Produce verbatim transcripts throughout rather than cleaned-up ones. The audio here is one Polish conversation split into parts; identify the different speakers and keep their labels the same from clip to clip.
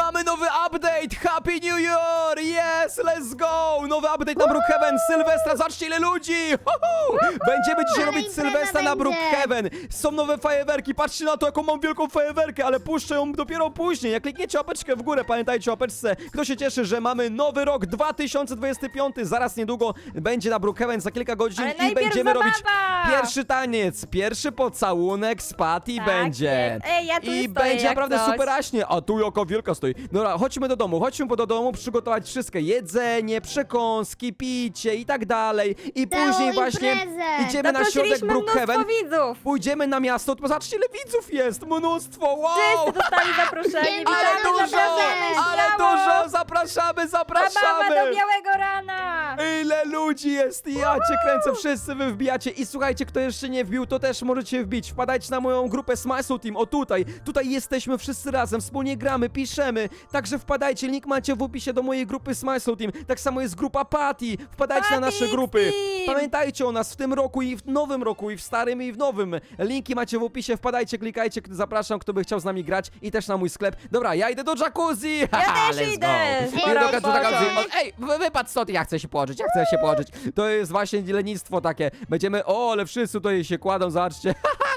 Speaker 1: mamy nowy update! Happy New Year! Yes, let's go! Nowy update na Brookhaven, Sylwestra, zobaczcie ile ludzi! Ho, ho! Będziemy dzisiaj
Speaker 2: Ale
Speaker 1: robić
Speaker 2: impreza
Speaker 1: Sylwestra na
Speaker 2: będzie.
Speaker 1: Brookhaven. Są nowe fajerwerki, patrzcie na to, jaką mam wielką fajerwerkę, ale puszczę ją dopiero później. Jak klikniecie łapeczkę w górę, pamiętajcie o łapeczce. Kto się cieszy, że mamy nowy rok dwa tysiące dwudziesty piąty, zaraz niedługo będzie na Brookhaven za kilka godzin
Speaker 3: Ale
Speaker 1: i
Speaker 3: najpierw
Speaker 1: będziemy
Speaker 3: zabawa!
Speaker 1: robić pierwszy taniec, pierwszy pocałunek z Patty
Speaker 3: Tak
Speaker 1: będzie.
Speaker 3: jest. Ej, ja tu
Speaker 1: I
Speaker 3: stoję
Speaker 1: będzie
Speaker 3: jak
Speaker 1: naprawdę
Speaker 3: coś.
Speaker 1: superaśnie. A tu jaka wielka stoi. Dobra, chodźmy do domu, chodźmy do domu, przygotować wszystkie jedzenie, przekąski, picie i tak dalej. I
Speaker 2: Całą
Speaker 1: później właśnie
Speaker 2: imprezę.
Speaker 1: idziemy na środek
Speaker 3: Zaprosiliśmy
Speaker 1: Brookhaven.
Speaker 3: mnóstwo widzów.
Speaker 1: Pójdziemy na miasto, to zobaczcie ile widzów jest, mnóstwo, wow!
Speaker 3: Wszyscy dostali zaproszenie.
Speaker 2: Ale
Speaker 3: Witamy,
Speaker 1: Ale dużo,
Speaker 3: zapraszamy,
Speaker 1: ale
Speaker 3: śmiało.
Speaker 1: dużo, zapraszamy,
Speaker 3: Zabawa do
Speaker 1: zapraszamy!
Speaker 3: białego rana.
Speaker 1: Ile ludzi jest, ja cię kręcę, wszyscy wy wbijacie i słuchajcie, kto jeszcze nie wbił, to też możecie wbić, wpadajcie na moją grupę Smile Soul Team, o tutaj, tutaj jesteśmy wszyscy razem, wspólnie gramy, piszemy, także wpadajcie, link macie w opisie do mojej grupy Smile Soul Team, tak samo jest grupa Patty, wpadajcie na nasze
Speaker 3: Patty
Speaker 1: grupy,
Speaker 3: Team.
Speaker 1: pamiętajcie o nas w tym roku i w nowym roku, i w starym i w nowym, linki macie w opisie, wpadajcie, klikajcie, zapraszam, kto by chciał z nami grać i też na mój sklep, dobra, ja idę do jacuzzi,
Speaker 3: Ja
Speaker 1: Haha,
Speaker 3: też
Speaker 1: let's
Speaker 3: idę.
Speaker 1: go.
Speaker 3: Pora
Speaker 1: Idę do jacuzzi.
Speaker 3: odpocząć.
Speaker 1: O, ej, wy- wypadł stąd, ja chcę się położyć, ja chcę się położyć. To jest właśnie lenistwo takie. Będziemy, o, ale wszyscy tutaj się kładą, zobaczcie.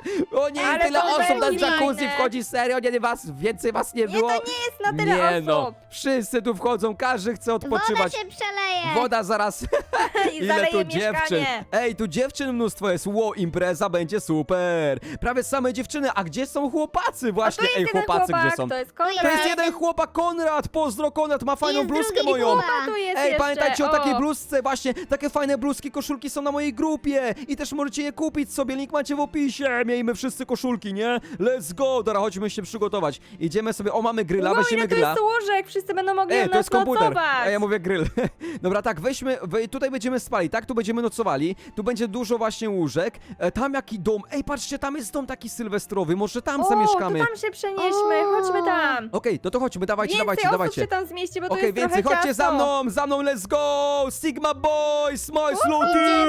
Speaker 1: O nie,
Speaker 3: Ale
Speaker 1: tyle
Speaker 3: to
Speaker 1: osób na
Speaker 3: będzie
Speaker 1: jacuzzi
Speaker 3: fajne.
Speaker 1: wchodzi, serio, nie, nie, was, więcej was nie
Speaker 3: Nie,
Speaker 1: było.
Speaker 3: to nie jest na tyle
Speaker 1: Nie
Speaker 3: osób.
Speaker 1: no, wszyscy tu wchodzą, każdy chce
Speaker 2: Woda
Speaker 1: odpoczywać.
Speaker 2: się przeleje.
Speaker 1: Woda zaraz.
Speaker 3: I
Speaker 1: Ile
Speaker 3: zaleje
Speaker 1: tu dziewczyn.
Speaker 3: mieszkanie.
Speaker 1: Ej, tu dziewczyn mnóstwo jest. Ło, impreza będzie super. Prawie same dziewczyny. A gdzie są chłopacy
Speaker 3: A
Speaker 1: właśnie?
Speaker 3: tu jest
Speaker 1: Ej,
Speaker 3: jeden
Speaker 1: chłopacy
Speaker 3: chłopak,
Speaker 1: gdzie są?
Speaker 3: to jest Konrad.
Speaker 1: To jest jeden chłopak, Konrad. Pozdro, Konrad, ma fajną
Speaker 2: jest
Speaker 1: bluzkę
Speaker 2: drugi
Speaker 1: moją.
Speaker 2: chłopak.
Speaker 3: A tu jest
Speaker 1: Ej,
Speaker 3: jeszcze,
Speaker 1: pamiętajcie o
Speaker 3: o.
Speaker 1: takiej bluzce, właśnie, takie fajne bluzki, koszulki są na mojej grupie i też możecie je kupić sobie, link macie w opisie, miejmy wszyscy koszulki, nie? Let's go, dobra, chodźmy się przygotować, idziemy sobie, o, mamy gryla,
Speaker 3: Wow,
Speaker 1: weźmiemy
Speaker 3: ile to
Speaker 1: gryla.
Speaker 3: jest łóżek, wszyscy będą mogli
Speaker 1: Ej,
Speaker 3: u
Speaker 1: to
Speaker 3: nas
Speaker 1: jest komputer,
Speaker 3: nocować.
Speaker 1: a ja mówię grill. Dobra, tak, weźmy, wej, tutaj będziemy spali, tak? Tu będziemy nocowali, tu będzie dużo właśnie łóżek, e, tam jaki dom, ej, patrzcie, tam jest dom taki sylwestrowy, może tam
Speaker 3: O,
Speaker 1: zamieszkamy.
Speaker 3: to tam się przenieśmy,
Speaker 2: O.
Speaker 3: chodźmy tam.
Speaker 1: Okej, to to chodźmy, dawajcie,
Speaker 3: Więcej
Speaker 1: dawajcie,
Speaker 3: osób
Speaker 1: dawajcie.
Speaker 3: się tam zmieści, bo to
Speaker 1: Okej,
Speaker 3: jest
Speaker 1: więcej,
Speaker 3: trochę
Speaker 1: chodźcie za
Speaker 3: ciasno.
Speaker 1: mną, za mną, let's go! Sigma Boys, Smile Slow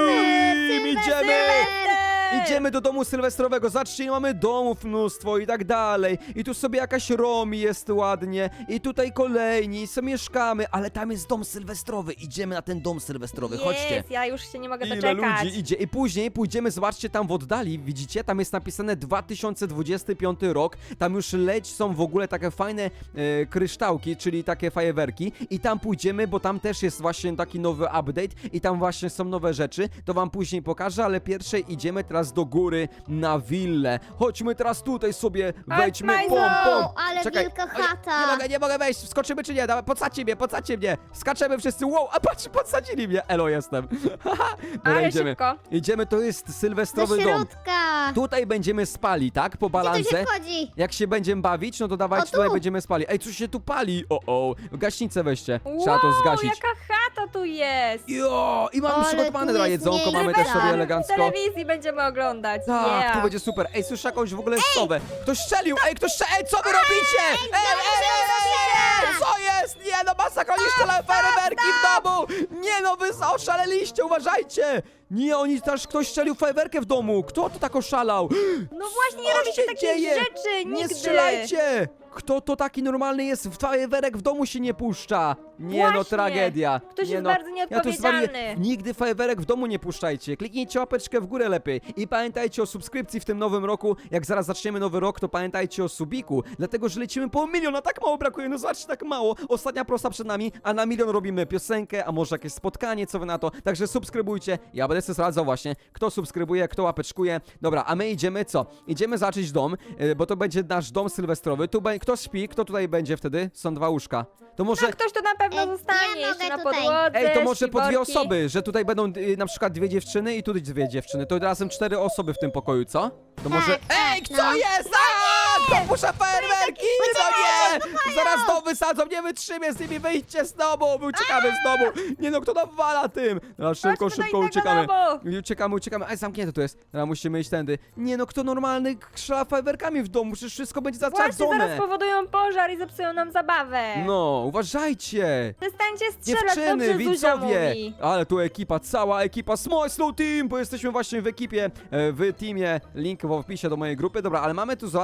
Speaker 1: Team! Idziemy!
Speaker 3: Sylwester!
Speaker 1: Idziemy do domu sylwestrowego, zobaczcie, mamy domów mnóstwo i tak dalej. I tu sobie jakaś Romi jest ładnie. I tutaj kolejni, sobie mieszkamy, ale tam jest dom sylwestrowy. Idziemy na ten dom sylwestrowy, chodźcie.
Speaker 3: Jest, ja już się nie mogę
Speaker 1: Ile
Speaker 3: doczekać.
Speaker 1: ludzi idzie. I później pójdziemy, zobaczcie, tam w oddali, widzicie? Tam jest napisane dwa tysiące dwudziesty piąty rok. Tam już leć są w ogóle takie fajne e, kryształki, czyli takie fajerwerki. I tam pójdziemy, bo tam też jest właśnie taki nowy update i tam właśnie są nowe rzeczy. To wam później pokażę, ale pierwsze idziemy teraz do góry na willę. Chodźmy teraz tutaj sobie, wejdźmy,
Speaker 3: Majzo!
Speaker 1: pom, pom.
Speaker 2: Ale
Speaker 1: Czekaj.
Speaker 2: wielka
Speaker 1: Oj,
Speaker 2: chata.
Speaker 1: Nie mogę, nie mogę wejść, wskoczymy czy nie? Dawaj, podsadźcie mnie, podsadźcie mnie. Skaczemy wszyscy, wow, a patrz, podsadzili mnie. Elo, jestem. Dobra,
Speaker 3: Ale
Speaker 1: idziemy.
Speaker 3: szybko.
Speaker 1: Idziemy, to jest
Speaker 2: Do
Speaker 1: sylwestrowy dom.
Speaker 2: środka.
Speaker 1: Tutaj będziemy spali, tak? Po
Speaker 2: Gdzie tu
Speaker 1: balance.
Speaker 2: się wchodzi?
Speaker 1: Jak się będziemy bawić, no to dawajcie,
Speaker 2: O, tu.
Speaker 1: tutaj będziemy spali. Ej, coś się tu pali. O, o. Gaśnicę weźcie. Trzeba to
Speaker 3: Wow,
Speaker 1: zgasić.
Speaker 3: jaka chata tu jest.
Speaker 1: Jo, i mamy
Speaker 2: Ale
Speaker 1: przygotowane
Speaker 2: tu
Speaker 1: dla
Speaker 2: jest
Speaker 1: jedzonko, mamy też
Speaker 2: miejsce.
Speaker 1: sobie
Speaker 3: W
Speaker 1: elegancko.
Speaker 3: telewizji będziemy oglądać.
Speaker 1: Tak,
Speaker 3: yeah.
Speaker 1: tu będzie super. Ej, słyszę jakąś w ogóle sowę. Ktoś strzelił, ej, ktoś strzelił. Ej, co wy robicie? Ej, ej, ej, ej, ej, co jest? Nie, no masakra, oni strzelają fajerwerki w domu. Nie, no wy oszaleliście, uważajcie. Nie, oni też, ktoś strzelił fajerwerkę w domu. Kto to tak oszalał?
Speaker 3: No właśnie, nie
Speaker 1: Co
Speaker 3: robicie
Speaker 1: się
Speaker 3: takich
Speaker 1: dzieje?
Speaker 3: rzeczy
Speaker 1: Nie
Speaker 3: nigdy.
Speaker 1: strzelajcie! Kto to taki normalny jest? W fajerwerek w domu się nie puszcza. Nie no,
Speaker 3: Właśnie.
Speaker 1: tragedia.
Speaker 3: Ktoś
Speaker 1: nie
Speaker 3: jest
Speaker 1: no.
Speaker 3: bardzo
Speaker 1: Ja tu zwarię.
Speaker 3: nieodpowiedzialny.
Speaker 1: Nigdy fajerwerek w domu nie puszczajcie. Kliknijcie łapeczkę w górę lepiej. I pamiętajcie o subskrypcji w tym nowym roku. Jak zaraz zaczniemy nowy rok, to pamiętajcie o subiku. Dlatego, że lecimy po milion, a tak mało brakuje. No zobaczcie, tak mało. Ostatnia prosta przed nami, a na milion robimy piosenkę, a może jakieś spotkanie, co wy na to. Także subskrybujcie. Ja będę sobie sprawdzał właśnie, kto subskrybuje, kto łapeczkuje. Dobra, a my idziemy co? Idziemy zacząć dom, yy, bo to będzie nasz dom sylwestrowy. Tu be- kto śpi? Kto tutaj będzie wtedy? Są dwa łóżka. To może...
Speaker 3: No ktoś to na pewno
Speaker 2: Ej,
Speaker 3: zostanie
Speaker 2: ja
Speaker 3: jeszcze
Speaker 2: mogę
Speaker 3: na
Speaker 2: tutaj.
Speaker 3: podłodze.
Speaker 1: Ej, to może po dwie
Speaker 3: śpiworki.
Speaker 1: osoby, że tutaj będą y, na przykład dwie dziewczyny i tu dwie dziewczyny. To razem cztery osoby w tym pokoju, co? To może...
Speaker 2: tak,
Speaker 1: Ej,
Speaker 2: no.
Speaker 1: co jest? A, to muszę fajerwerki! No nie! Zaraz dom wysadzą, nie wytrzymię z nimi, wyjdźcie z domu! My uciekamy z domu! Nie no, kto nawala tym? No, szybko,
Speaker 3: Chodźmy do
Speaker 1: szybko
Speaker 3: innego
Speaker 1: uciekamy.
Speaker 3: domu.
Speaker 1: Uciekamy, uciekamy. Aj, zamknięte to jest. Teraz musimy iść tędy. Nie no, kto normalny strzela fajerwerkami w domu? Przecież wszystko będzie
Speaker 3: Właśnie, zaraz
Speaker 1: zaczadzone.
Speaker 3: powodują pożar i zepsują nam zabawę.
Speaker 1: No, uważajcie!
Speaker 3: Przestańcie strzelać,
Speaker 1: Dziewczyny,
Speaker 3: dobrze Zuzia
Speaker 1: widzowie!
Speaker 3: mówi.
Speaker 1: Ale tu ekipa, cała ekipa Smile Slow Team, bo jesteśmy właśnie w ekipie, e, w teamie, link w opisie do mojej grupy. Dobra, ale mamy tu, zobaczmy,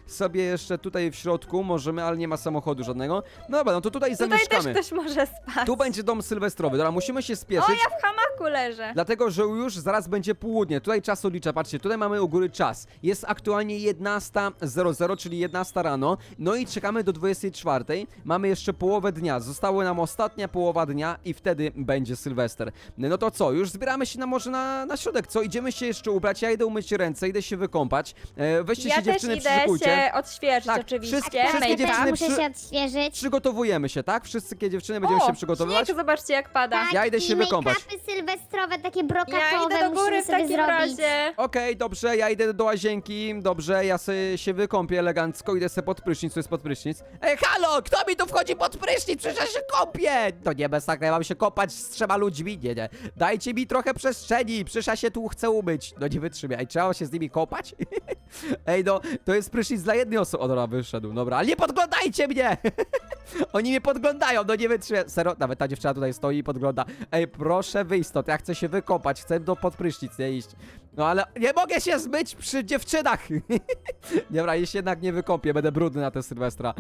Speaker 1: sobie jeszcze tutaj w środku możemy, ale nie ma samochodu żadnego. No dobra, no to tutaj
Speaker 3: Tutaj też
Speaker 1: zamieszkamy.
Speaker 3: ktoś może spać.
Speaker 1: Tu będzie dom sylwestrowy, dobra, musimy się
Speaker 3: O,
Speaker 1: spieszyć.
Speaker 3: ja w hamaku leżę.
Speaker 1: Dlatego, że już zaraz będzie południe. Tutaj czas odlicza, patrzcie, tutaj mamy u góry czas. Jest aktualnie jedenasta zero zero, czyli jedenasta rano. No i czekamy do dwudziestej czwartej. Mamy jeszcze połowę dnia. Została nam ostatnia połowa dnia i wtedy będzie Sylwester. No to co, już zbieramy się na może na, na środek, co? Idziemy się jeszcze ubrać, ja idę umyć ręce, idę się wykąpać. E, weźcie
Speaker 3: Ja
Speaker 1: się
Speaker 3: też
Speaker 1: dziewczyny,
Speaker 3: idę
Speaker 1: przyszykujcie.
Speaker 3: się odświeżyć
Speaker 1: Tak,
Speaker 3: oczywiście.
Speaker 1: wszystkie-
Speaker 2: Tak,
Speaker 1: wszystkie
Speaker 2: ja też
Speaker 1: dziewczyny
Speaker 2: muszę
Speaker 1: przy-
Speaker 2: się odświeżyć.
Speaker 1: Przygotowujemy się, tak? Wszystkie dziewczyny będziemy
Speaker 3: o,
Speaker 1: się przygotowywać.
Speaker 3: śnieg, zobaczcie jak pada.
Speaker 2: Tak,
Speaker 1: Ja idę się
Speaker 2: i
Speaker 1: wykąpać.
Speaker 2: make-upy sylwestrowe, takie
Speaker 3: Ja
Speaker 2: brokatowe
Speaker 3: idę do góry
Speaker 2: musimy
Speaker 3: w
Speaker 2: sobie
Speaker 3: takim
Speaker 2: zrobić.
Speaker 3: razie.
Speaker 1: Okej, dobrze, ja idę do łazienki, dobrze, ja sobie się wykąpię elegancko, idę sobie pod prysznic, co jest pod prysznic. Ej, halo, kto mi tu wchodzi pod prysznic? Przecież ja się kąpię! To nie bez tak, ja mam się kąpać z trzema ludźmi, nie, nie. Dajcie mi trochę przestrzeni, przecież ja się tu chcę umyć. No nie wytrzymaj, ej, trzeba się z nimi kąpać? Ej, no, to jest prysznic dla jednej osoby. O, dobra, wyszedł, dobra, ale nie podglądajcie mnie! Oni mnie podglądają, no nie wytrzymaj. Serio, nawet ta dziewczyna tutaj stoi i podgląda. Ej, proszę wyjść stąd, ja chcę się wykąpać, chcę do pod prysznic, nie iść. No ale nie mogę się zmyć przy dziewczynach. Dobra, jeśli jednak nie wykąpię, będę brudny na tę Sylwestra.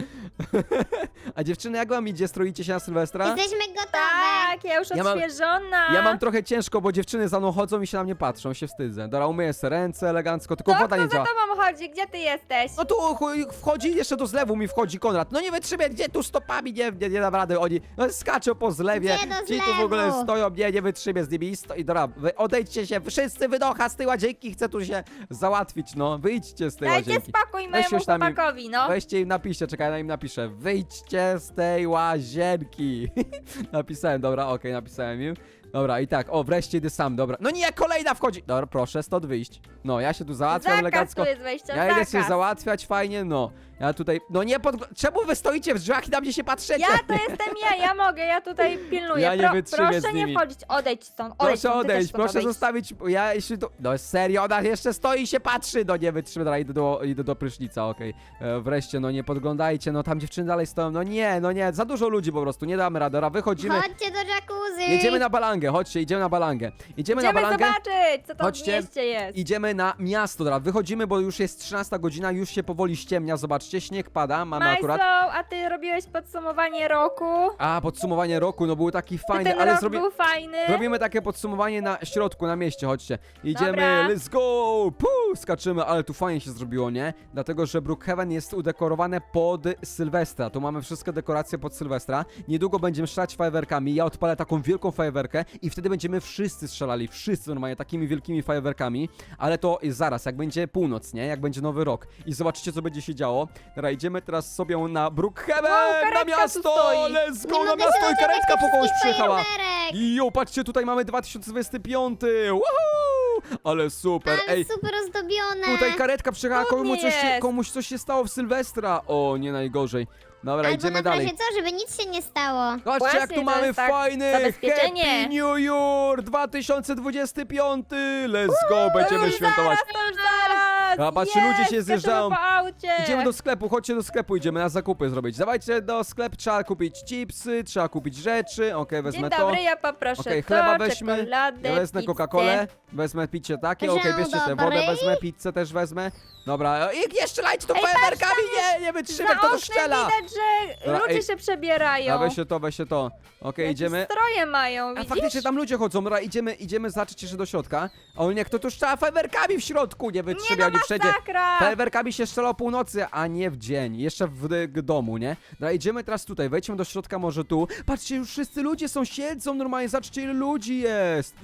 Speaker 1: A dziewczyny, jak wam idzie? Stroicie się na Sylwestra?
Speaker 2: Jesteśmy gotowe.
Speaker 3: Tak, ja już
Speaker 1: Ja mam-
Speaker 3: odświeżona.
Speaker 1: Ja mam trochę ciężko, bo dziewczyny za mną chodzą i się na mnie patrzą, się wstydzę. Dobra, umyję sobie ręce elegancko, tylko
Speaker 3: To
Speaker 1: woda
Speaker 3: kto
Speaker 1: nie
Speaker 3: za
Speaker 1: działa.
Speaker 3: tobą chodzi? Gdzie ty jesteś?
Speaker 1: No tu chuj, wchodzi, jeszcze do zlewu mi wchodzi Konrad. No nie wytrzymaj, gdzie tu stopami, nie, nie, nie dam rady, oni no, skaczą po zlewie.
Speaker 2: Gdzie do
Speaker 1: Ci tu w ogóle
Speaker 2: zlewu?
Speaker 1: stoją, nie, nie wytrzymie z nimi i stoi. Dobra, wy odejdźcie się, wszyscy wynocha z tej łazienki, chcę tu się załatwić, no. Wyjdźcie z tej
Speaker 3: Dajcie
Speaker 1: łazienki.
Speaker 3: spokój mojemu
Speaker 1: już tam im-
Speaker 3: chłopakowi, no.
Speaker 1: Weźcie im napiszcie, czekaj, ja im napiszę. Wyjdźcie z tej łazienki. Napisałem, dobra, okej, napisałem im. Dobra, i tak, o, wreszcie idę sam, dobra. No nie, kolejna wchodzi. Dobra, proszę stąd wyjść. No, ja się tu załatwiam
Speaker 3: Zakaz
Speaker 1: elegancko.
Speaker 3: tu jest wejścia,
Speaker 1: Ja idę się
Speaker 3: zakaz.
Speaker 1: załatwiać fajnie, no. Ja tutaj, no nie pod... Czemu wy stoicie w drzwiach i na mnie się patrzycie?
Speaker 3: Ja to jestem ja, ja mogę, ja tutaj pilnuję.
Speaker 1: Ja nie
Speaker 3: Pro,
Speaker 1: wytrzymię
Speaker 3: proszę
Speaker 1: z nimi.
Speaker 3: nie wchodzić, odejdź stąd, odejdź
Speaker 1: Proszę
Speaker 3: stąd, ty też
Speaker 1: odejść,
Speaker 3: stąd
Speaker 1: proszę
Speaker 3: odejdź.
Speaker 1: zostawić, ja jeśli tu... No serio, ona jeszcze stoi i się patrzy, no nie wytrzymę, dobra, idę do, idę do prysznica, okej. E, Wreszcie, no nie podglądajcie, no tam dziewczyny dalej stoją, no nie, no nie, za dużo ludzi po prostu, nie damy rady, dobra, wychodzimy.
Speaker 2: Chodźcie do jacuzzi.
Speaker 1: Jedziemy na balangę, chodźcie, idziemy na balangę. Idziemy na
Speaker 3: Idziemy
Speaker 1: balangę.
Speaker 3: zobaczyć, co tam
Speaker 1: Chodźcie.
Speaker 3: w mieście jest.
Speaker 1: Idziemy na miasto, dobra, wychodzimy, bo już jest trzynasta godzina, już się powoli ściemnia, zobaczcie, śnieg pada, mamy
Speaker 3: Majslow,
Speaker 1: akurat...
Speaker 3: a ty robiłeś podsumowanie roku?
Speaker 1: A, podsumowanie roku, no był taki
Speaker 3: Czy
Speaker 1: fajny,
Speaker 3: ten
Speaker 1: ale
Speaker 3: rok
Speaker 1: zrobi...
Speaker 3: był fajny?
Speaker 1: Robimy takie podsumowanie na środku, na mieście, chodźcie. Idziemy,
Speaker 3: Dobra.
Speaker 1: let's go! Puu, skaczymy, ale tu fajnie się zrobiło, nie? Dlatego, że Brookhaven jest udekorowane pod Sylwestra. Tu mamy wszystkie dekoracje pod Sylwestra. Niedługo będziemy strzelać fajerwerkami. Ja odpalę taką wielką fajerwerkę i wtedy będziemy wszyscy strzelali, wszyscy normalnie takimi wielkimi fajerwerkami. Ale to jest zaraz, jak będzie północ, nie? Jak będzie nowy rok. I zobaczycie, co będzie się działo. Dobra, idziemy teraz sobie na Brookhaven,
Speaker 3: Wow,
Speaker 1: na
Speaker 3: karetka tu
Speaker 1: miasto!
Speaker 3: stoi.
Speaker 1: Let's go
Speaker 2: Nie
Speaker 1: na
Speaker 2: mogę
Speaker 1: miasto
Speaker 2: się
Speaker 1: i karetka po kogoś
Speaker 2: doczekać
Speaker 1: przyjechała.
Speaker 2: fajerwerek.
Speaker 1: Jo, patrzcie, tutaj mamy dwa tysiące dwudziesty piąty! Woohoo! Ale super,
Speaker 2: Ale
Speaker 1: ej!
Speaker 2: super ozdobione.
Speaker 1: Tutaj karetka przyjechała,
Speaker 3: Cudnie
Speaker 1: komuś coś, się,
Speaker 3: jest.
Speaker 1: komuś coś się stało w Sylwestra! O, nie najgorzej. Dobra,
Speaker 2: Albo
Speaker 1: idziemy
Speaker 2: na
Speaker 1: dalej.
Speaker 2: razie co, żeby nic się nie stało.
Speaker 1: Zobaczcie,
Speaker 3: Właśnie,
Speaker 1: jak tu
Speaker 3: to
Speaker 1: mamy
Speaker 3: jest tak
Speaker 1: fajny
Speaker 3: zabezpieczenie.
Speaker 1: Happy New Year dwa tysiące dwudziesty piąty! Let's go, będziemy
Speaker 3: już
Speaker 1: świętować.
Speaker 3: Zaraz, to już zaraz!
Speaker 1: A, patrzcie,
Speaker 3: Jest,
Speaker 1: ludzie się
Speaker 3: skaczemy
Speaker 1: zjeżdżają.
Speaker 3: po aucie.
Speaker 1: Idziemy do sklepu, chodźcie do sklepu, idziemy na zakupy zrobić. Dawajcie do sklepu, trzeba kupić chipsy, trzeba kupić rzeczy, okej, wezmę
Speaker 3: Dzień
Speaker 1: to.
Speaker 3: dobry, ja poproszę
Speaker 1: Okej,
Speaker 3: to,
Speaker 1: chleba weźmy,
Speaker 3: czekoladę,
Speaker 1: ja wezmę
Speaker 3: pizzę.
Speaker 1: Coca-Colę, wezmę picie takie,
Speaker 2: Dzień
Speaker 1: okej, bierzcie tę wodę,
Speaker 2: dobry.
Speaker 1: wezmę pizzę też wezmę. Dobra, i nie strzelajcie tu
Speaker 3: Ej, patrz,
Speaker 1: fajerwerkami,
Speaker 3: tam
Speaker 1: nie, nie wytrzymaj,
Speaker 3: Za
Speaker 1: kto to
Speaker 3: oknem
Speaker 1: strzela.
Speaker 3: widać, że
Speaker 1: Dobra,
Speaker 3: ludzie
Speaker 1: ej.
Speaker 3: się przebierają.
Speaker 1: A weźcie to, weźcie to. Okej,
Speaker 3: Jakieś
Speaker 1: idziemy.
Speaker 3: stroje mają,
Speaker 1: A
Speaker 3: widzisz?
Speaker 1: faktycznie tam ludzie chodzą, dobra, idziemy, idziemy zacząć jeszcze do środka. O nie, kto tu strzela fajerwerkami w środku, nie
Speaker 3: Nie
Speaker 1: wytrzymaj,
Speaker 3: no,
Speaker 1: oni wszędzie.
Speaker 3: masakra!
Speaker 1: Fajerwerkami się strzela o północy, a nie w dzień. Jeszcze w, w domu, nie? Dobra, idziemy teraz tutaj, wejdźmy do środka może tu. Patrzcie, już wszyscy ludzie są, siedzą normalnie, zobaczcie ile ludzi jest.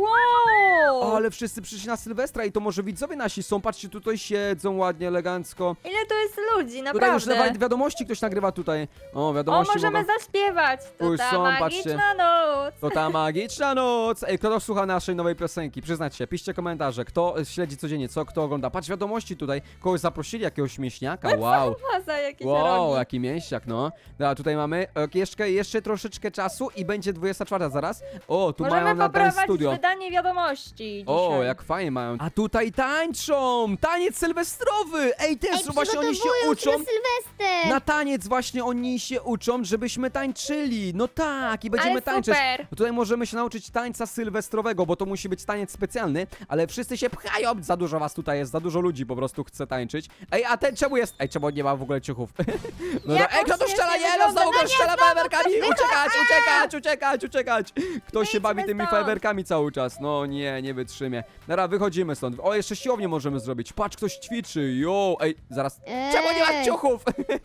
Speaker 3: Wow!
Speaker 1: O, ale wszyscy przyszli na Sylwestra i to może widzowie nasi są, patrzcie, tutaj siedzą ładnie, elegancko.
Speaker 3: Ile tu jest ludzi,
Speaker 1: Tutaj już
Speaker 3: naprawdę.
Speaker 1: nawet wiadomości ktoś nagrywa tutaj. O,
Speaker 3: O,
Speaker 1: wiadomości
Speaker 3: możemy
Speaker 1: mogą...
Speaker 3: zaśpiewać. To
Speaker 1: Już
Speaker 3: ta
Speaker 1: są,
Speaker 3: magiczna
Speaker 1: patrzcie.
Speaker 3: noc.
Speaker 1: To ta magiczna noc! Ej, kto to słucha naszej nowej piosenki? Przyznajcie się, piszcie komentarze, kto śledzi codziennie, co kto ogląda. Patrz, wiadomości tutaj, kogoś zaprosili, jakiegoś mięśniaka, wow.
Speaker 3: Faza jakieś
Speaker 1: Wow,
Speaker 3: rogi.
Speaker 1: jaki mięśniak, no. Dobra, tutaj mamy e, jeszcze, jeszcze troszeczkę czasu i będzie dwudziesta czwarta zaraz. O, tu
Speaker 3: Możemy
Speaker 1: mają na Dance
Speaker 3: poprowadzić
Speaker 1: Studio.
Speaker 3: wydanie wiadomości
Speaker 1: O,
Speaker 3: dzisiaj.
Speaker 1: jak fajnie mają. A tutaj tańczą! Taniec sylwestrowy! Ej, też
Speaker 2: Ej,
Speaker 1: właśnie oni się
Speaker 2: przygotowują
Speaker 1: uczą.
Speaker 2: na Sylwester.
Speaker 1: Na taniec właśnie oni się uczą, żebyśmy tańczyli. No tak, i będziemy
Speaker 3: Ale
Speaker 1: tańczyć.
Speaker 3: super.
Speaker 1: Tutaj możemy się nauczyć tańca sylwestrowego, bo to musi być taniec specjalny, ale wszyscy się pchają. Za dużo was tutaj jest, za dużo dużo ludzi po prostu chce tańczyć. Ej, a ten czemu jest? Ej, czemu on nie ma w ogóle ciuchów? No,
Speaker 3: Jak
Speaker 1: ej,
Speaker 3: on
Speaker 1: kto tu strzela?
Speaker 3: świetnie
Speaker 1: Nie, no
Speaker 3: wygląda.
Speaker 1: znowu
Speaker 3: No
Speaker 1: go
Speaker 3: nie,
Speaker 1: strzela
Speaker 3: znowu
Speaker 1: fajerwerkami! Uciekać, uciekać, uciekać, uciekać! Ktoś się
Speaker 3: Wyjdźmy
Speaker 1: bawi tymi
Speaker 3: stąd.
Speaker 1: fajerwerkami cały czas. No nie, nie wytrzymie. Dobra, wychodzimy stąd. O, jeszcze siłownię możemy zrobić. Patrz, ktoś ćwiczy. Jo, ej, zaraz. Czemu nie ma
Speaker 2: Ej.
Speaker 1: ciuchów?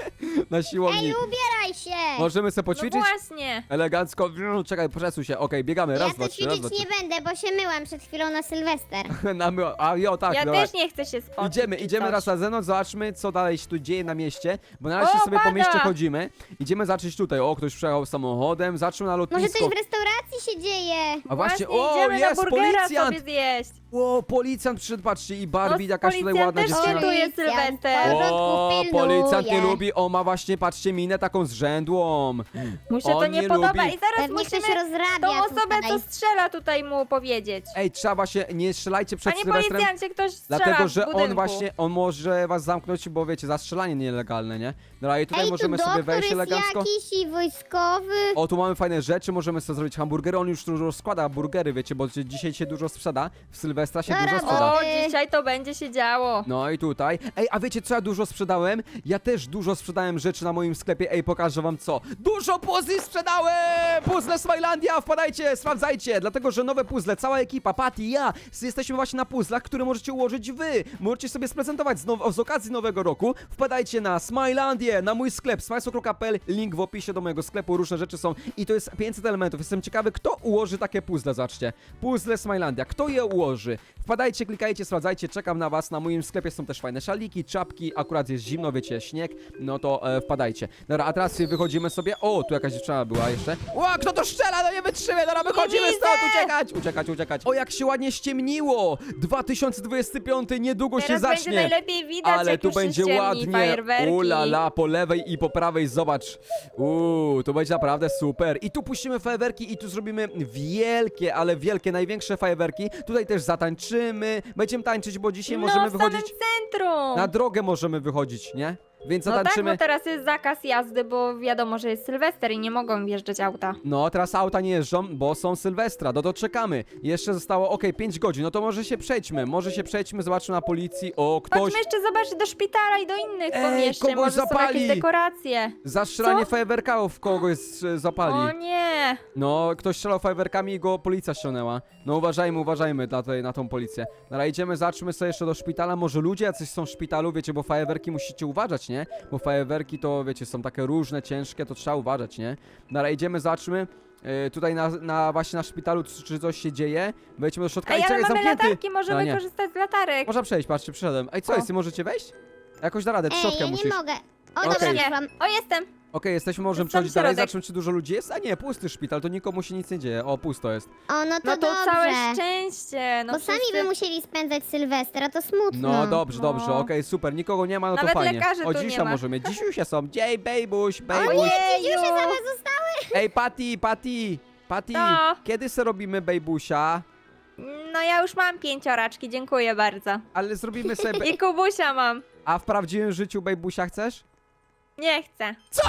Speaker 1: Na
Speaker 2: Ej,
Speaker 1: siłowni.
Speaker 2: ubieraj się!
Speaker 1: Możemy sobie
Speaker 3: No
Speaker 1: poćwiczyć?
Speaker 3: właśnie.
Speaker 1: Elegancko. Mm, Czekaj, przesuń się. Okej, biegamy. Raz,
Speaker 2: Ja
Speaker 1: dwa,
Speaker 2: tu
Speaker 1: trzy, raz,
Speaker 2: ćwiczyć
Speaker 1: dwa,
Speaker 2: nie będę, bo się myłam przed chwilą na Sylwester.
Speaker 1: trzy. Na my... A jo, tak,
Speaker 3: Ja
Speaker 1: dobra.
Speaker 3: też nie chcę się spotkać.
Speaker 1: Idziemy,
Speaker 3: czy
Speaker 1: idziemy
Speaker 3: coś.
Speaker 1: raz na zewnątrz, zobaczmy co dalej się tu dzieje na mieście, bo na razie
Speaker 3: O,
Speaker 1: sobie po
Speaker 3: pada!
Speaker 1: mieście chodzimy. Idziemy zacząć tutaj, o ktoś przejechał samochodem, zaczął na
Speaker 2: Może
Speaker 1: lotnisko.
Speaker 2: coś w restauracji się dzieje?
Speaker 1: A właśnie,
Speaker 3: Właśnie,
Speaker 1: o
Speaker 3: idziemy
Speaker 1: jest
Speaker 3: na burgera
Speaker 1: policjant!
Speaker 3: sobie zjeść.
Speaker 1: O, policjant przyszedł, patrzcie i Barbie,
Speaker 3: No,
Speaker 1: jakaś tutaj
Speaker 3: policjant
Speaker 1: ładna
Speaker 3: też
Speaker 1: dziewczyna.
Speaker 3: świętuje
Speaker 2: Policjant,
Speaker 3: Sylwester.
Speaker 2: w porządku,
Speaker 1: O,
Speaker 2: pilnuje.
Speaker 1: policjant nie lubi, o ma właśnie, patrzcie, minę taką zrzędłą.
Speaker 3: Mu się to
Speaker 1: On
Speaker 3: nie,
Speaker 1: nie
Speaker 3: podoba
Speaker 1: lubi.
Speaker 3: i zaraz
Speaker 2: Pewnie ktoś
Speaker 3: musimy
Speaker 2: rozrabia
Speaker 3: tą osobę,
Speaker 2: tutaj.
Speaker 3: co strzela tutaj mu powiedzieć.
Speaker 1: Ej, trzeba się, nie strzelajcie przed
Speaker 3: Panie
Speaker 1: Sylwestrem.
Speaker 3: policjancie, ktoś strzela
Speaker 1: Dlatego,
Speaker 3: w
Speaker 1: że
Speaker 3: budynku.
Speaker 1: on właśnie, on może was zamknąć, bo wiecie, zastrzelanie nielegalne, nie? Dobra, i tutaj
Speaker 2: Ej,
Speaker 1: możemy
Speaker 2: tu
Speaker 1: sobie
Speaker 2: doktor
Speaker 1: wejść
Speaker 2: jest
Speaker 1: elegancko.
Speaker 2: jakiś i wojskowy.
Speaker 1: O, tu mamy fajne rzeczy, możemy sobie zrobić hamburgery, on już dużo składa burgery, wiecie, bo dzisiaj się dużo sprzeda, w Sylwestra się
Speaker 2: Dobra,
Speaker 1: dużo sprzeda.
Speaker 3: O,
Speaker 2: Ej.
Speaker 3: dzisiaj to będzie się działo.
Speaker 1: No i tutaj. Ej, a wiecie co ja dużo sprzedałem? Ja też dużo sprzedałem rzeczy na moim sklepie, ej, pokażę wam co. Dużo puzli sprzedałem! Puzzle Smilandia, wpadajcie, sprawdzajcie, dlatego, że nowe puzzle, cała ekipa, Patty, ja, jesteśmy właśnie na puzzlach, które możecie ułożyć wy. Możecie sobie sprezentować z, now- z okazji nowego roku. Wpadajcie na Smilandię, na mój sklep, smajsokro kropka p l, link w opisie do mojego sklepu, różne rzeczy są i to jest pięćset elementów. Jestem ciekawy, kto ułoży takie puzzle, zobaczcie. Puzzle Smilandia, kto je ułoży? Wpadajcie, klikajcie, sprawdzajcie, czekam na was, na moim sklepie są też fajne szaliki, czapki, akurat jest zimno, wiecie, śnieg, no to e, wpadajcie. Dobra, a teraz wychodzimy sobie, o, tu jakaś dziewczyna była jeszcze. Ło, kto to strzela, no nie wytrzymie, dobra, wychodzimy
Speaker 3: widzę!
Speaker 1: stąd, uciekać, uciekać, uciekać. O, jak się ładnie ściemniło, dwa tysiące dwudziesty piąty niedługo się
Speaker 3: Teraz
Speaker 1: zacznie.
Speaker 3: będzie najlepiej widać,
Speaker 1: Ale
Speaker 3: jak
Speaker 1: tu
Speaker 3: już
Speaker 1: będzie
Speaker 3: się ściemni,
Speaker 1: ładnie.
Speaker 3: fajerwerki.
Speaker 1: Ulala, po lewej i po prawej, zobacz. Uuu, to będzie naprawdę super. I tu puścimy fajerwerki i tu zrobimy wielkie, ale wielkie, największe fajerwerki. Tutaj też zatańczymy. Będziemy tańczyć, bo dzisiaj
Speaker 3: No,
Speaker 1: możemy
Speaker 3: w samym
Speaker 1: wychodzić.
Speaker 3: centrum.
Speaker 1: Na drogę możemy wychodzić, nie? Więc
Speaker 3: No tak,
Speaker 1: zatańczymy.
Speaker 3: bo teraz jest zakaz jazdy, bo wiadomo, że jest Sylwester i nie mogą wjeżdżać auta.
Speaker 1: No, teraz auta nie jeżdżą, bo są Sylwestra, no to czekamy. Jeszcze zostało, okej, pięć godzin, no to może się przejdźmy, może się przejdźmy, zobaczmy na policji, o, ktoś...
Speaker 3: Chodźmy jeszcze zobaczyć do szpitala i do innych
Speaker 1: Ej,
Speaker 3: pomieszczeń,
Speaker 1: kogoś
Speaker 3: może są
Speaker 1: zapali.
Speaker 3: jakieś dekoracje.
Speaker 1: Zastrzelanie
Speaker 3: Co?
Speaker 1: fajerwerków kogoś e, zapali.
Speaker 3: O nie!
Speaker 1: No, ktoś strzelał fajerwerkami i go policja ściągnęła. No uważajmy, uważajmy na, tej, na tą policję. Dobra, idziemy, zaczmy sobie jeszcze do szpitala. Może ludzie jacyś są w szpitalu, wiecie, bo fajerwerki musicie uważać, nie? Bo fajerwerki to, wiecie, są takie różne, ciężkie, to trzeba uważać, nie? Dobra, idziemy, zaczmy. Yy, tutaj na, na właśnie na szpitalu, czy, czy coś się dzieje. Wejdźmy do środka.
Speaker 3: Ej,
Speaker 1: i
Speaker 3: ale
Speaker 1: czekaj,
Speaker 3: mamy
Speaker 1: zamknięty.
Speaker 3: latarki, możemy
Speaker 1: A, nie.
Speaker 3: korzystać z latarek.
Speaker 1: Można przejść, patrzcie, przyszedłem. Ej, co
Speaker 3: O.
Speaker 1: jest, możecie wejść? Jakoś da radę,
Speaker 2: Ej,
Speaker 1: trzodkę
Speaker 2: ja nie
Speaker 1: musisz.
Speaker 2: mogę. O,
Speaker 1: Okej.
Speaker 2: dobra,
Speaker 3: Nie.
Speaker 2: wyszłam.
Speaker 3: O, jestem!
Speaker 1: Okej, jesteśmy, możemy
Speaker 3: To sam
Speaker 1: przechodzić dalej,
Speaker 3: środek.
Speaker 1: zobaczmy, czy dużo ludzi jest. A nie, pusty szpital, to nikomu się nic nie dzieje. O, pusto jest.
Speaker 2: O, no to,
Speaker 3: No to
Speaker 2: dobrze.
Speaker 3: całe szczęście. No
Speaker 2: Bo sami
Speaker 3: wszyscy-
Speaker 2: by musieli spędzać Sylwestra, to smutno.
Speaker 1: No dobrze,
Speaker 3: No.
Speaker 1: dobrze, okej, super, nikogo nie ma, no to
Speaker 3: Nawet
Speaker 1: fajnie.
Speaker 3: lekarzy
Speaker 1: O,
Speaker 3: tu nie
Speaker 1: dzisiaj
Speaker 3: ma.
Speaker 1: możemy, dzisiusie są, dzień, bejbuś, bejbuś.
Speaker 3: Ojeju.
Speaker 2: Już się same zostały.
Speaker 1: Ej, Patty, Patty, Patty,
Speaker 3: No.
Speaker 1: kiedy se robimy bejbusia?
Speaker 3: No ja już mam pięcioraczki, dziękuję bardzo.
Speaker 1: Ale zrobimy sobie, be-
Speaker 3: I Kubusia mam.
Speaker 1: a w prawdziwym życiu bejbusia chcesz?
Speaker 3: Nie chcę.
Speaker 1: Co?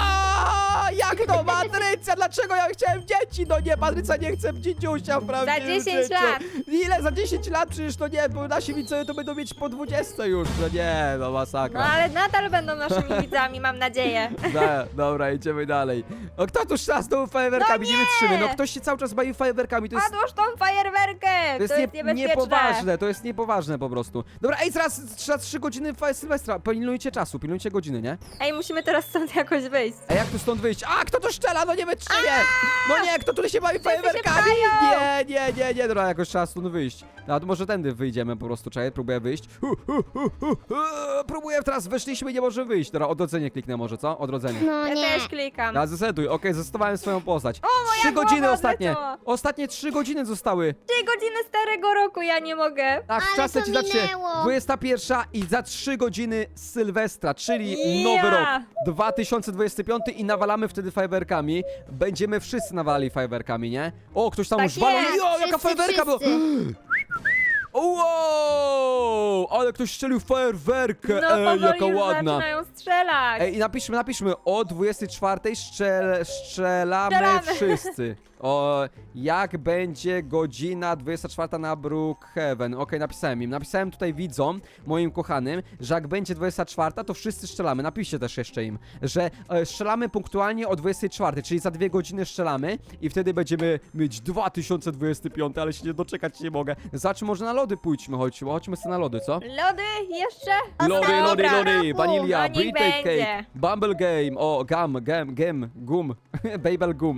Speaker 1: Jak to, Patrycja? Dlaczego ja chciałem dzieci? No nie, Patrycja nie chce dzidziusia w prawdziwym
Speaker 3: dziesięć
Speaker 1: życiu.
Speaker 3: lat.
Speaker 1: Ile? Za dziesięć lat? Przecież to nie, bo nasi widzowie to będą mieć po dwudzieste już, no nie, no
Speaker 3: No
Speaker 1: masakra.
Speaker 3: ale nadal będą naszymi widzami, mam nadzieję.
Speaker 1: No, dobra, idziemy dalej. O, kto tu strzela z tą fajerwerkami?
Speaker 3: No
Speaker 1: nie
Speaker 3: nie!
Speaker 1: wytrzymy. No ktoś się cały czas bawi fajerwerkami, to jest...
Speaker 3: Odłóż tą fajerwerkę!
Speaker 1: To jest, nie,
Speaker 3: niebezpieczne.
Speaker 1: niepoważne, to jest niepoważne po prostu. Dobra, ej, zaraz trzeba trzy godziny fa- Sylwestra. Pilnujcie czasu, pilnujcie godziny, nie?
Speaker 3: Ej, musimy teraz stąd jakoś wyjść.
Speaker 1: A jak tu stąd wyjść? A, kto tu strzela? No nie wytrzymie! No nie, kto tu się bawi fajerwerkami?
Speaker 3: się
Speaker 1: Nie, nie, nie, nie, dobra, jakoś trzeba stąd wyjść. No, to może tędy wyjdziemy po prostu, czekaj, próbuję wyjść. Hu, hu, hu, hu, hu. Próbuję, teraz weszliśmy i nie może wyjść. Dobra, odrodzenie kliknę może, co? Odrodzenie.
Speaker 2: No
Speaker 3: Ja
Speaker 2: nie.
Speaker 3: też klikam.
Speaker 1: Ja zesetuj, okej, zostawałem swoją postać.
Speaker 3: moja
Speaker 1: Trzy
Speaker 3: głowa
Speaker 1: godziny ostatnie.
Speaker 3: odleciała.
Speaker 1: Ostatnie trzy godziny zostały.
Speaker 3: Trzy godziny starego roku, ja nie mogę.
Speaker 1: Tak,
Speaker 2: Ale
Speaker 1: czas
Speaker 2: to
Speaker 1: leci zacznie.
Speaker 2: minęło.
Speaker 1: dwudziesta pierwsza i za trzy godziny Sylwestra, czyli
Speaker 3: Ja.
Speaker 1: nowy rok dwa tysiące dwudziesty piąty i nawalamy wtedy fajerwerkami. Będziemy wszyscy nawalali fajerwerkami, nie? O, ktoś tam
Speaker 3: Tak
Speaker 1: już walą.
Speaker 3: jest,
Speaker 1: Jo, jaka
Speaker 2: wszyscy,
Speaker 1: fajerwerka była!
Speaker 2: wszyscy.
Speaker 1: Wow! Ale ktoś strzelił fajerwerkę!
Speaker 3: No
Speaker 1: Ej,
Speaker 3: powoli
Speaker 1: jaka
Speaker 3: już
Speaker 1: ładna!
Speaker 3: zaczynają strzelać.
Speaker 1: Ej, i napiszmy, napiszmy, o dwudziestej czwartej strzel, strzelamy,
Speaker 3: Strzelamy.
Speaker 1: wszyscy. O, jak będzie godzina dwudziesta czwarta na Brookhaven. Okej, napisałem im. Napisałem tutaj widzom, moim kochanym, że jak będzie dwudziesta czwarta, to wszyscy strzelamy. Napiszcie też jeszcze im, że e, strzelamy punktualnie o dwudziestej czwartej, czyli za dwie godziny strzelamy i wtedy będziemy mieć dwa tysiące dwudziesty piąty, ale się nie doczekać nie mogę. Zobaczmy, może na lody pójdźmy, chodźmy, chodźmy sobie na lody, co?
Speaker 3: Lody jeszcze?
Speaker 1: Lody,
Speaker 3: Dobra.
Speaker 1: lody, lody, vanilla,
Speaker 3: No niech
Speaker 1: birthday
Speaker 3: będzie.
Speaker 1: cake, bumble game, o, gum, gum, gum, gum, babel gum.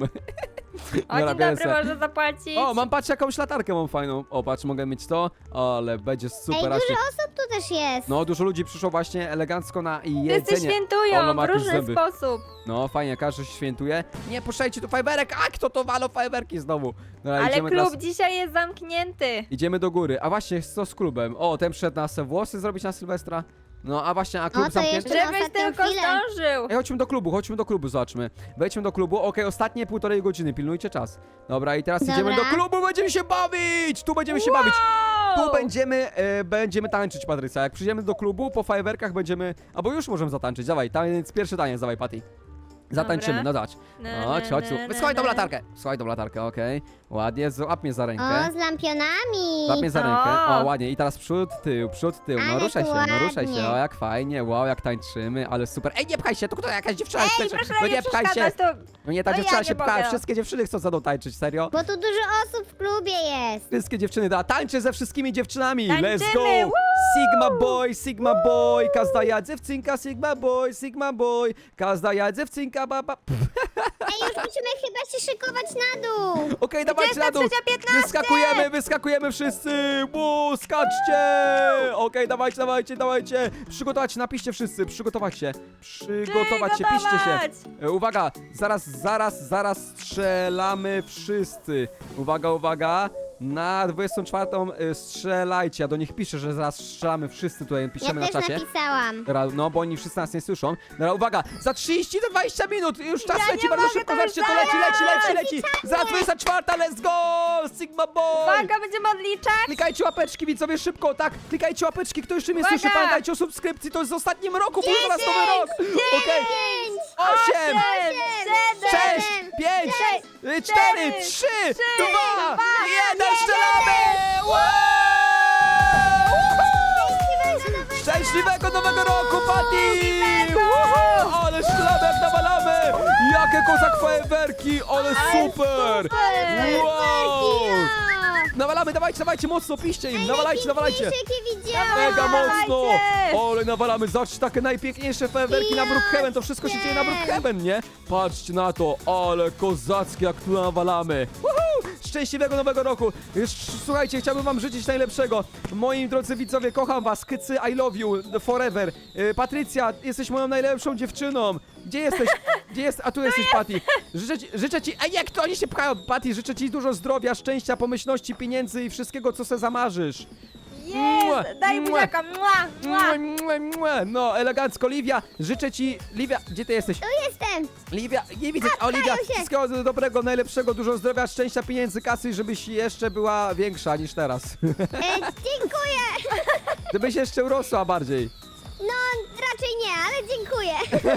Speaker 3: O,
Speaker 1: Dobra,
Speaker 3: dzień
Speaker 1: biorę
Speaker 3: dobry,
Speaker 1: se.
Speaker 3: można zapłacić.
Speaker 1: O, mam, patrz, jakąś latarkę mam fajną. O, patrz, mogę mieć to, ale będzie
Speaker 2: Ej,
Speaker 1: super.
Speaker 2: dużo
Speaker 1: raczej.
Speaker 2: osób tu też jest.
Speaker 1: No, dużo ludzi przyszło właśnie elegancko na
Speaker 3: Wszyscy
Speaker 1: jedzenie.
Speaker 3: świętują
Speaker 1: Ono ma
Speaker 3: w
Speaker 1: jakieś
Speaker 3: różny
Speaker 1: zęby.
Speaker 3: sposób.
Speaker 1: No, fajnie, każdy się świętuje. Nie, puszczajcie tu fajerwerek, a kto to walą fajerwerki znowu? Dobra,
Speaker 3: Ale
Speaker 1: idziemy
Speaker 3: klub
Speaker 1: teraz,
Speaker 3: dzisiaj jest zamknięty.
Speaker 1: idziemy do góry. A właśnie, co z klubem? O, ten przyszedł na se włosy zrobić na Sylwestra. No, a właśnie, a klub
Speaker 2: to
Speaker 1: zamknięty?
Speaker 2: jeszcze- Na
Speaker 3: Żebyś
Speaker 2: ostatnią
Speaker 3: tylko
Speaker 2: chwilę.
Speaker 3: zdążył.
Speaker 1: Ej, chodźmy do klubu, chodźmy do klubu, zobaczmy. Wejdźmy do klubu, okej, ostatnie półtorej godziny, pilnujcie czas. Dobra, i teraz
Speaker 2: Dobra.
Speaker 1: idziemy do klubu, będziemy się bawić! Tu będziemy się bawić. Tu
Speaker 3: Wow!
Speaker 1: będziemy, e, będziemy tańczyć, Patrycja. Jak przyjdziemy do klubu, po fajerwerkach będziemy... Albo już możemy zatańczyć, dawaj, taniec, pierwszy taniec, dawaj, Patty. Zatańczymy,
Speaker 3: Dobra.
Speaker 1: no zobacz.
Speaker 3: Na,
Speaker 1: Chodź,
Speaker 3: na,
Speaker 1: chodź tu.
Speaker 3: na, na,
Speaker 1: Słuchaj tą
Speaker 3: na.
Speaker 1: latarkę. Słuchaj tą latarkę, okej. Ładnie, złap mnie za
Speaker 2: O,
Speaker 1: rękę.
Speaker 2: z lampionami.
Speaker 1: Złap mnie za rękę.
Speaker 3: O.
Speaker 1: O, ładnie. I teraz przód, tył, przód, tył. No
Speaker 2: Ale
Speaker 1: ruszaj się,
Speaker 2: tu
Speaker 1: no ruszaj się.
Speaker 2: ładnie.
Speaker 1: O, jak fajnie, wow, jak tańczymy, ale super. Ej, nie pchaj się, to kto jakaś dziewczyna
Speaker 3: Ej,
Speaker 1: jest.
Speaker 3: proszę
Speaker 1: No
Speaker 3: nie
Speaker 1: nie pchaj się.
Speaker 3: przeszkadzać, to...
Speaker 1: No nie, ta
Speaker 3: No
Speaker 1: dziewczyna
Speaker 3: ja
Speaker 1: się
Speaker 3: nie
Speaker 1: pcha,
Speaker 3: mogę.
Speaker 1: wszystkie dziewczyny chcą za mną tańczyć, serio?
Speaker 2: Bo tu dużo osób w klubie jest.
Speaker 1: Wszystkie dziewczyny, da, tańczę ze wszystkimi dziewczynami, let's
Speaker 3: Tańczymy,
Speaker 1: go!
Speaker 3: woo!
Speaker 1: Sigma boy, Sigma boy, każda ja dziewczynka, Sigma boy, Sigma boy, każda ja dziewczynka, baba.
Speaker 2: Ej, już musimy chyba się szykować na dół.
Speaker 1: Okej, dawajcie na dół,
Speaker 3: dwudziesta trzecia piętnaście.
Speaker 1: wyskakujemy, wyskakujemy wszyscy, bu, skaczcie! Okej, dawajcie, dawajcie, dawajcie, przygotować się, napiszcie wszyscy, przygotować się, przygotować się, piszcie się.
Speaker 3: Przygotować.
Speaker 1: E, Uwaga, zaraz, zaraz, zaraz strzelamy wszyscy. Uwaga, uwaga. Na dwudziestą czwartą e, strzelajcie. Ja do nich piszę, że zaraz strzelamy wszyscy tutaj,
Speaker 2: Ja
Speaker 1: piszemy na
Speaker 2: też
Speaker 1: czacie.
Speaker 2: napisałam.
Speaker 1: Dobra, no bo oni wszyscy nas nie słyszą. Dobra, uwaga, za trzydzieści do dwudziestu minut, już czas
Speaker 3: Ja
Speaker 1: leci
Speaker 3: nie
Speaker 1: bardzo
Speaker 3: mogę,
Speaker 1: szybko,
Speaker 3: to już
Speaker 1: zobaczcie, to leci, leci, leci,
Speaker 3: zaraz.
Speaker 1: leci. Za dwudziesta czwarta, let's go! Sigma boy!
Speaker 3: Uwaga, będziemy odliczać.
Speaker 1: Klikajcie łapeczki, widzowie, szybko, tak, klikajcie łapeczki, kto jeszcze mnie
Speaker 3: Uwaga!
Speaker 1: słyszy, pamiętajcie o subskrypcji, to jest w ostatnim roku, bo zaraz nowy rok! Okej,
Speaker 2: Pięć,
Speaker 1: osiem,
Speaker 3: siedem,
Speaker 1: sześć, pięć, y, cztery,
Speaker 3: trzy,
Speaker 1: trzy,
Speaker 3: trzy,
Speaker 1: dwa,
Speaker 3: dwa,
Speaker 1: jeden,
Speaker 3: jeden.
Speaker 1: strzelamy! Wow!
Speaker 2: Szczęśliwego
Speaker 1: Szczęśliwego nowego roku, Patty!
Speaker 3: Nowego!
Speaker 1: Wow! Ale strzelamy jak nawalamy! Jakie kozak fajerwerki, ale super!
Speaker 3: super!
Speaker 1: Wow!
Speaker 2: nowego!
Speaker 1: Nawalamy, dawajcie, dawajcie, mocno, piszcie im, nawalajcie, nawalajcie!
Speaker 2: Najpiękniejsze, jakie widziałam.
Speaker 1: Mega mocno!
Speaker 3: Dawajcie!
Speaker 1: Ale nawalamy, zobaczcie, takie najpiękniejsze fajerwerki na Brookhaven, to wszystko się dzieje na Brookhaven, nie? Patrzcie na to, ale kozackie jak tu nawalamy! Woohoo! Szczęśliwego nowego roku! Jeszcze, słuchajcie, chciałbym wam życzyć najlepszego. Moi drodzy widzowie, kocham was, Kycy, I love you, forever. Yy, Patrycja, jesteś moją najlepszą dziewczyną. Gdzie jesteś? Gdzie jest? A tu jesteś, Patty. Życzę ci, życzę ci, ej, jak to oni się pchają? Patty, życzę ci dużo zdrowia, szczęścia, pomyślności, pieniędzy i wszystkiego, co se zamarzysz. Mua,
Speaker 3: Jest! Daj
Speaker 1: mua.
Speaker 3: buziaka! Mua,
Speaker 1: Mua,
Speaker 3: mua.
Speaker 1: mua, mua. No, elegancko, Livia, życzę ci, Livia, gdzie ty jesteś?
Speaker 2: Tu jestem.
Speaker 1: Liwia, nie widzę, o Livia,
Speaker 2: się.
Speaker 1: wszystkiego dobrego, najlepszego, dużo zdrowia, szczęścia, pieniędzy, kasy, żebyś jeszcze była większa niż teraz.
Speaker 2: E, dziękuję.
Speaker 1: Żebyś jeszcze urosła bardziej.
Speaker 2: No, raczej nie, ale dziękuję.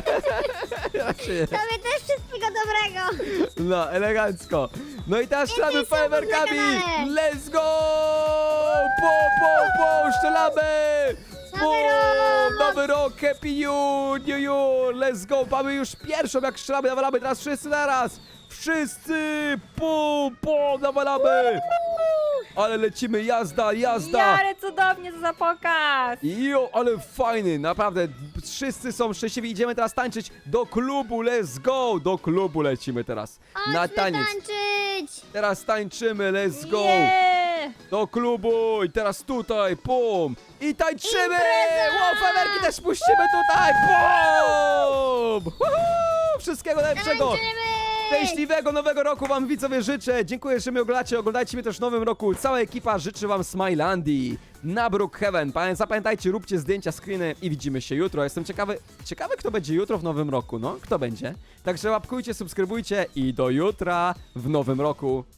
Speaker 1: Raczej.
Speaker 2: Tobie też wszystkiego dobrego.
Speaker 1: No, elegancko. No i teraz strzelamy
Speaker 2: Więcej subów na
Speaker 1: fajerwerkami!
Speaker 2: kanale.
Speaker 1: Let's go! Po, po, po, strzelamy!
Speaker 2: Nowy
Speaker 1: Bum!
Speaker 2: rok!
Speaker 1: Nowy rok, happy you, new you, let's go! Mamy już pierwszą, jak strzelamy, nawalamy, teraz wszyscy naraz! Wszyscy! Pum, pum, nawalamy! Ale lecimy, jazda, jazda!
Speaker 3: Jarę, cudownie, to za pokaz.
Speaker 1: Jo, ale fajny, naprawdę, wszyscy są szczęśliwi, idziemy teraz tańczyć do klubu, let's go! Do klubu lecimy teraz, na
Speaker 2: Chodźmy
Speaker 1: taniec.
Speaker 2: tańczyć.
Speaker 1: Teraz tańczymy, let's go!
Speaker 3: Nie.
Speaker 1: Do klubu i teraz tutaj, pum! I tańczymy!
Speaker 2: Impreza!
Speaker 1: Wow, fajerwerki też puścimy tutaj, pum! Woohoo! Wszystkiego najlepszego!
Speaker 2: Tańczymy.
Speaker 1: Szczęśliwego nowego roku wam widzowie życzę. Dziękuję, że mnie oglądacie. Oglądajcie mnie też w nowym roku. Cała ekipa życzy wam Smilandii na Brookhaven. Pamię- Zapamiętajcie, róbcie zdjęcia, screeny i widzimy się jutro. Jestem ciekawy, ciekawy kto będzie jutro w nowym roku. No, kto będzie? Także łapkujcie, subskrybujcie i do jutra w nowym roku.